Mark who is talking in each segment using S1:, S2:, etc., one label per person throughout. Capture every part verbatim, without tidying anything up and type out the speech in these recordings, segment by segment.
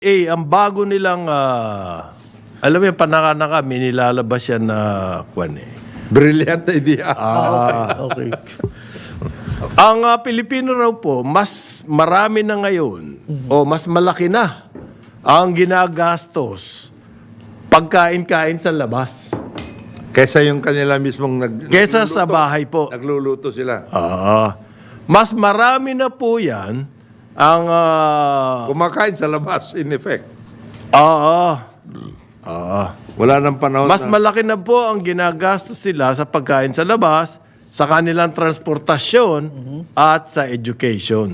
S1: Eh, ang bago nilang, ah, alam mo yung panaka-naka, may nilalabas yan na, kwan eh.
S2: Brilliant idea.
S1: Ah,
S3: Okay.
S1: ang ah, Pilipino raw po, mas marami na ngayon, o mas malaki na, ang ginagastos pagkain-kain sa labas.
S2: Kesa yung kanila mismong nag,
S1: Kesa
S2: nagluluto.
S1: sa bahay po.
S2: Nagluluto sila.
S1: Ah, mas marami na po yan ang... ah,
S2: Kumakain sa labas, in effect.
S1: Oo. Oo.
S2: Wala nang panahon
S1: Mas
S2: na...
S1: malaki na po ang ginagastos sila sa pagkain sa labas, sa kanilang transportasyon, at sa education.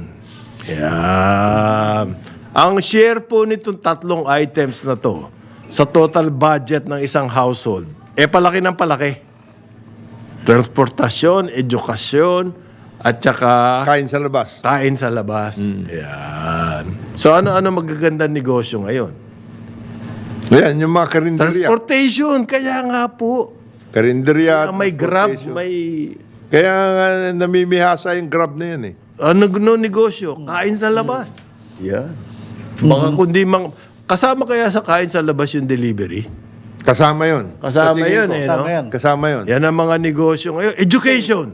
S1: Yan. Ang share po nitong tatlong items na to sa total budget ng isang household, eh palaki ng palaki. Transportasyon, edukasyon, at saka
S2: Kain sa labas.
S1: kain sa labas. Yan. So ano-ano magagandang negosyo ngayon?
S2: Yan, yung mga karinderya.
S1: Transportation, kaya nga po.
S2: Karinderya.
S1: May Grab,
S2: transportation.
S1: may
S2: Kaya nga namimihasa yung Grab na yan eh.
S1: ano no negosyo, kain sa labas. Yan. Baka kundi mang kasama kaya sa kain sa labas yung delivery.
S2: Kasama yun. Sa
S1: Kasama
S2: tingin
S1: yun
S2: ko.
S1: eh,
S3: Kasama
S1: no?
S3: yan.
S2: Kasama yun.
S1: Yan ang mga negosyo ngayon. Education.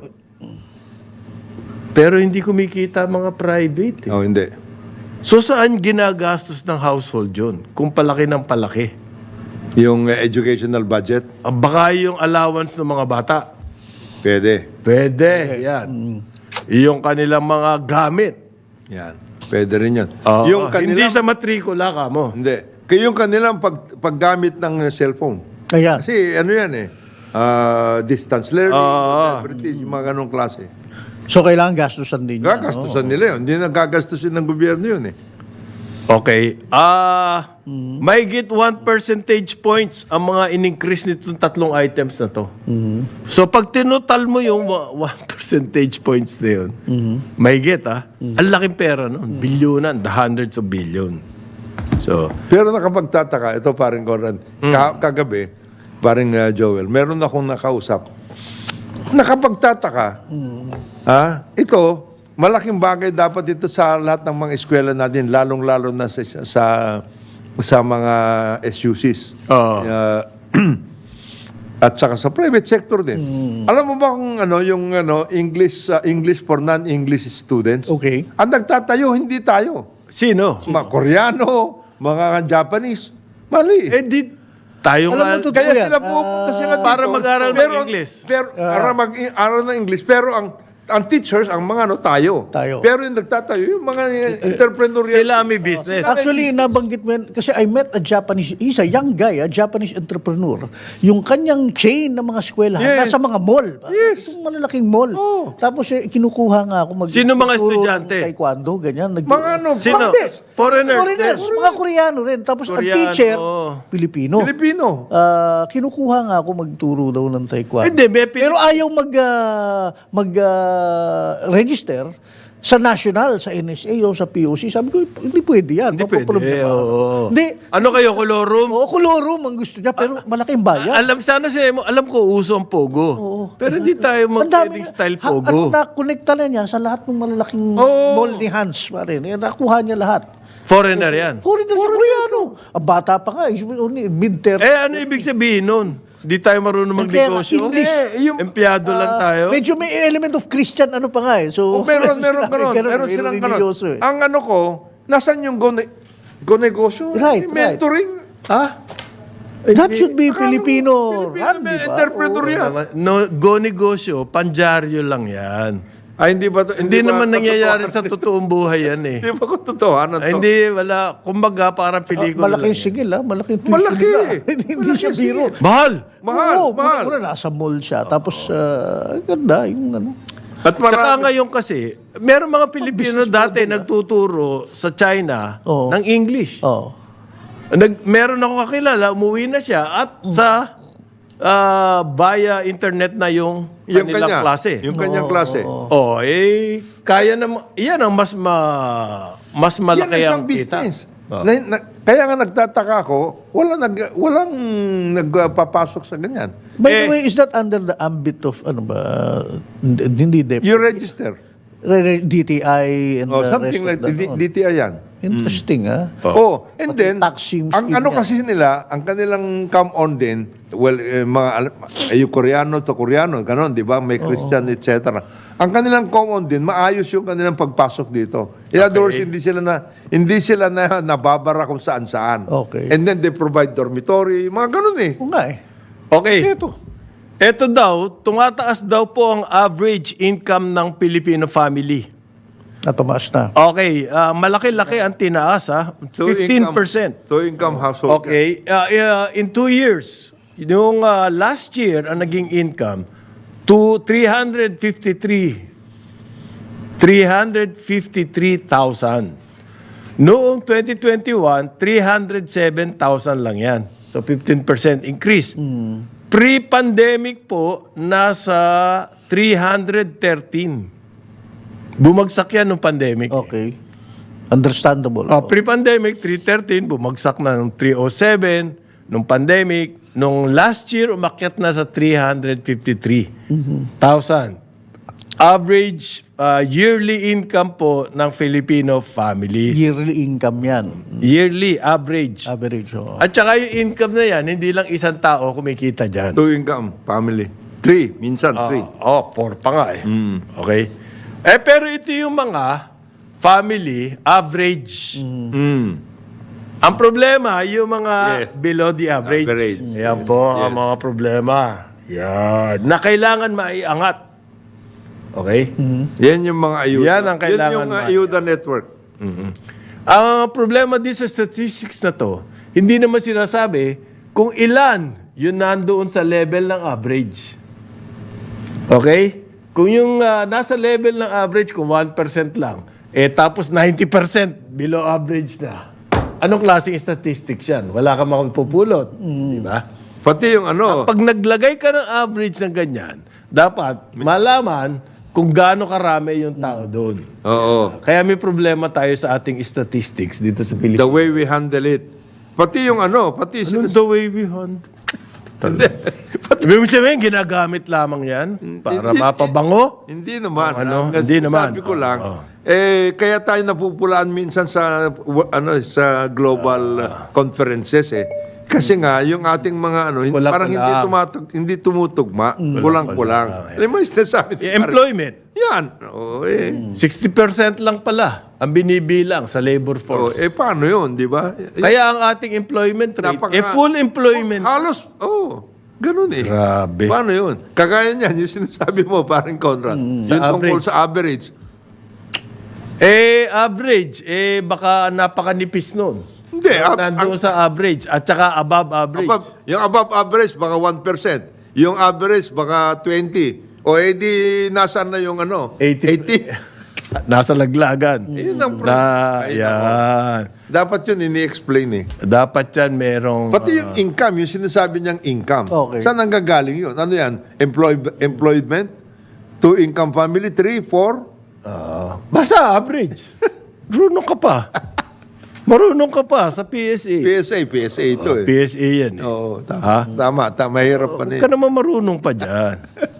S1: Pero hindi kumikita mga private. Eh.
S2: Oh, hindi.
S1: So saan ginagastos ng household yun? Kung palaki ng palaki.
S2: Yung uh, educational budget,
S1: Ah, Baka yung allowance ng mga bata.
S2: pwede.
S1: Pwede. Yan. Yung kanilang mga gamit.
S2: Yan. Pwede rin yun.
S1: Oo,
S2: yung
S1: hindi
S2: kanilang...
S1: sa matrikula ka mo.
S2: Hindi. Kaya yung kanilang pag, paggamit ng cellphone.
S3: Ayan.
S2: Kasi ano yan eh. ah, distance learning,
S1: Oo.
S2: British, yung mga ganong klase.
S3: So, kailangan gastusan din yan.
S2: Gagastusan nila yun. Hindi na gagastusin ng gobyerno yun eh.
S1: Okay. Ah, may get one percentage points ang mga in-increase nitong tatlong items na to. So pag tinutal mo yung wa- one percentage points na yun, may get ah. Ang laking pera nun. Bilyonan, the hundreds of billion. So,
S2: Pero nakapagtataka, ito paring Conrad, ka- kagabi, paring uh, Joel, meron akong nakausap. Nakapagtataka, ah, ito, malaking bagay dapat ito sa lahat ng mga eskwela natin, lalong-lalo na sa, sa, sa mga S U Cs.
S1: Oo.
S2: Ah, at saka sa private sector din. Alam mo ba kung ano, yung ano, English, uh, English for non-English students?
S3: Okay.
S2: Ang nagtatayo, hindi tayo.
S1: sino?
S2: Mga Koreano, mga Japanese. Mali.
S1: Eh di, tayo
S3: Alam mo,
S1: nga.
S3: totoo
S2: Kaya
S3: yan.
S2: sila pupunta
S3: Ah,
S2: sila dito.
S1: para mag-aral ng
S2: pero,
S1: English.
S2: Pero, para mag-aral ng English. Pero ang ang teachers, ang mga ano, tayo.
S3: Tayo.
S2: Pero yung nagtatayo, yung mga entrepreneurial.
S1: Sila may business.
S3: Actually, nabanggit mo yan, kasi I met a Japanese, he's a young guy, a Japanese entrepreneur. Yung kanyang chain ng mga eskwelahan,
S2: Yes.
S3: nasa mga mall.
S2: Yes.
S3: Itong malalaking mall.
S2: Oh.
S3: Tapos eh, kinukuha nga ako mag
S1: Sino mga
S3: magturo ng
S1: estudyante?
S3: Taekwondo, ganyan. Nag-
S2: Mga ano,
S1: Sino?
S3: Hindi.
S1: Foreigners.
S3: Foreigners, mga Koreano rin. Tapos ang
S1: Koreano.
S3: teacher, Pilipino.
S2: Pilipino.
S3: Ah, kinukuha nga ako magturo daw ng taekwondo.
S1: Hindi, may Pili-
S3: Pero ayaw mag ah, mag ah, register sa national, sa N S A o sa P O C. Sabi ko, hindi pwede yan.
S1: Hindi pwede.
S3: Papaproblema.
S1: Oo.
S3: Hindi.
S1: Ano kayo, kolorum?
S3: Oo, kolorum ang gusto niya, pero malaking bayan.
S1: Alam sana sila mo, alam ko uso ang pogo. Pero hindi tayo
S3: Ang dami
S1: mag-pwedeng
S3: nga-
S1: style
S3: ha- Ano,
S1: pogo.
S3: na-connecta na niya sa lahat ng malalaking
S2: Oo.
S3: mall ni Hans. Pare. Eh, nakuha niya lahat.
S1: Foreigner yan.
S3: Foreigner sa Koreano. Ang bata pa nga, mid-thirties.
S1: Eh, ano ibig sabihin nun? Di tayo marunong
S3: Kaya nga,
S1: magnegosyo?
S3: English.
S2: Eh, yung-
S1: Empleyado lang tayo?
S3: Medyo may element of Christian ano pa nga eh. So,
S2: Oh, meron, meron,
S3: sila-
S2: meron. Meron
S3: may
S2: silang
S3: religyoso
S2: ganon.
S3: eh.
S2: Ang ano ko, nasan yung go, ne- go negosyo?
S3: Right,
S2: Yung mentoring.
S1: Ha?
S3: That should be
S2: Akala mo,
S3: Filipino
S2: Filipino,
S3: run,
S2: may
S3: di ba?
S2: entrepreneur yan.
S1: No, go negosyo, panjaryo lang yan.
S2: Ay, hindi ba? to-
S1: Hindi
S2: ba
S1: naman nangyayari
S2: katotohanan?
S1: sa totoong buhay yan eh.
S2: Hindi ba kung totohanan to?
S1: Ay, hindi, wala. Kumbaga, parang pelikula
S3: Malaking
S1: lang yan.
S3: sigil ha, malaking tuition
S2: Malaki.
S3: nila. hindi hindi siya biro.
S1: Mahal!
S2: Mahal,
S3: Oo,
S2: mahal.
S3: Una, nasa mall siya. Tapos, ah, ganda, yung ano.
S2: At
S1: Tsaka
S2: marami.
S1: ngayon kasi, meron mga Pilipino dati nagtuturo sa China
S3: Oo.
S1: ng English.
S3: Oh.
S1: Nag, meron ako kakilala, umuwi na siya at sa ah, via internet na yung,
S2: Yung
S1: kanilang
S2: kanya.
S1: klase.
S2: Yung kanyang klase.
S1: Oh, eh, kaya na, yan ang mas ma, mas
S2: Yan
S1: malaki
S2: ang isang
S1: ang kita.
S2: business. Na, na- kaya nga nagtataka ako, wala nag, walang nagpapasok sa ganyan.
S3: By
S1: Eh,
S3: the way, is that under the ambit of, ano ba, hindi, hindi,
S2: You register.
S3: D T I and
S2: Oh,
S3: the
S2: something
S3: rest
S2: like
S3: of the,
S2: D- DTI yan.
S3: Interesting, ah.
S2: Oh, and then,
S3: tax scheme
S2: ang
S3: scheme
S2: ano
S3: niya.
S2: kasi nila, ang kanilang come on din, well, eh, mga, al- eh, yung Koreano to Koreano, ganon, di ba? May Christian, et cetera. Ang kanilang come on din, maayos yung kanilang pagpasok dito. In other words, hindi sila na, hindi sila na nababara kung saan-saan.
S3: Okay.
S2: And then they provide dormitory, mga ganon eh.
S3: Oo nga eh.
S1: Okay.
S3: Ito.
S1: Ito daw, tumataas daw po ang average income ng Filipino family.
S3: Natumaas na.
S1: Okay, ah, malaki-laki ang tinaas, ha? fifteen percent.
S2: Two income household.
S1: Okay, uh, uh, in two years, yung uh, last year, ang naging income, to three hundred fifty-three three hundred fifty-three thousand. Noong twenty twenty-one, three hundred seven thousand lang yan. So fifteen percent increase. Pre-pandemic po, nasa three hundred thirteen. Bumagsak yan nung pandemic.
S3: Okay. Understandable.
S1: Oh, pre-pandemic, three thirteen, bumagsak na ng three oh seven. Nung pandemic, nung last year, umakyat na sa three hundred fifty-three thousand. Average uh, yearly income po ng Filipino families.
S3: Yearly income yan.
S1: Yearly, average.
S3: Average. Oh.
S1: At saka yung income na yan, hindi lang isang tao kumikita dyan.
S2: Two income, family. Three, minsan three.
S1: Oh, four pa nga eh. Okay? Eh, pero ito yung mga family average.
S2: Mm.
S1: Ang problema, yung mga
S2: Yes.
S1: below the average.
S2: Average.
S1: Yan po ang mga problema. Yan. Na kailangan maiangat. Okay?
S2: Yan yung mga ayuda.
S1: Yan ang kailangan
S2: Yan yung
S1: ma-
S2: ayuda network.
S1: Ang problema din sa statistics na to, hindi naman sinasabi kung ilan yun nandoon sa level ng average. Okay? Kung yung ah, nasa level ng average, kung one percent lang, eh tapos ninety percent below average na. Anong klaseng statistics yan? Wala kang makapupulot. Di ba?
S2: Pati yung ano,
S1: Pag naglagay ka ng average ng ganyan, dapat malaman kung gaano karami yung tao doon.
S2: oo,
S1: Kaya may problema tayo sa ating statistics dito sa
S2: the
S1: Pilipinas.
S2: way we handle it. Pati yung ano, pati
S1: Anong
S2: sinas-
S1: the way we hunt? Ibig mo sabihin, ginagamit lamang yan para
S2: Hindi-
S1: mapabango?
S2: Hindi naman.
S1: Ano?
S2: Ang
S1: Hindi naman.
S2: Sabi ko lang,
S1: Oo.
S2: eh, kaya tayo napupulaan minsan sa w- ano sa global uh, conferences eh. Kasi nga, yung ating mga ano, hin-
S1: Kulang-kulang.
S2: parang hindi, tumatug, hindi tumutugma. Kulang-kulang. Alam mo, yung sinasabi
S1: Eh, employment,
S2: Yan. Oo, eh.
S1: sixty percent lang pala ang binibilang sa labor
S2: Oh,
S1: force.
S2: eh, paano yun, di ba? Eh,
S1: Kaya ang ating employment rate,
S2: napaka-
S1: eh full employment.
S2: Halos, oh, ganun eh.
S1: Grabe.
S2: Paano yun? Kagaya niyan, yung sinasabi mo, parang Conrad.
S1: Mm. Sa
S2: Yung tungkol
S1: average.
S2: sa average.
S1: Eh, average, eh baka napakanipis nun.
S2: Hindi, ab-
S1: Nandoon sa average at saka above average.
S2: Above, yung above average, baka one percent. Yung average, baka twenty. O edi, nasaan na yung ano?
S1: eighty.
S2: eighty.
S1: Nasa laglagan.
S2: Yun ang
S1: Na,
S2: Ay,
S1: yan.
S2: Dapat yun ini-explain eh.
S1: Dapat yan merong...
S2: Pati yung income, yung sinasabi niyang income.
S3: Okay.
S2: Saan ang gagaling yun? Ano yan? Employ- employment? Two income family? Three? Four?
S1: ah, basta average. Marunong ka pa. Marunong ka pa sa P S A.
S2: P S A, P S A ito eh.
S1: P S A yan eh.
S2: Oo, tama.
S1: Ha?
S2: Tama, tama. Mahirap pa na
S1: Huwag
S2: eh.
S1: ka naman marunong pa dyan.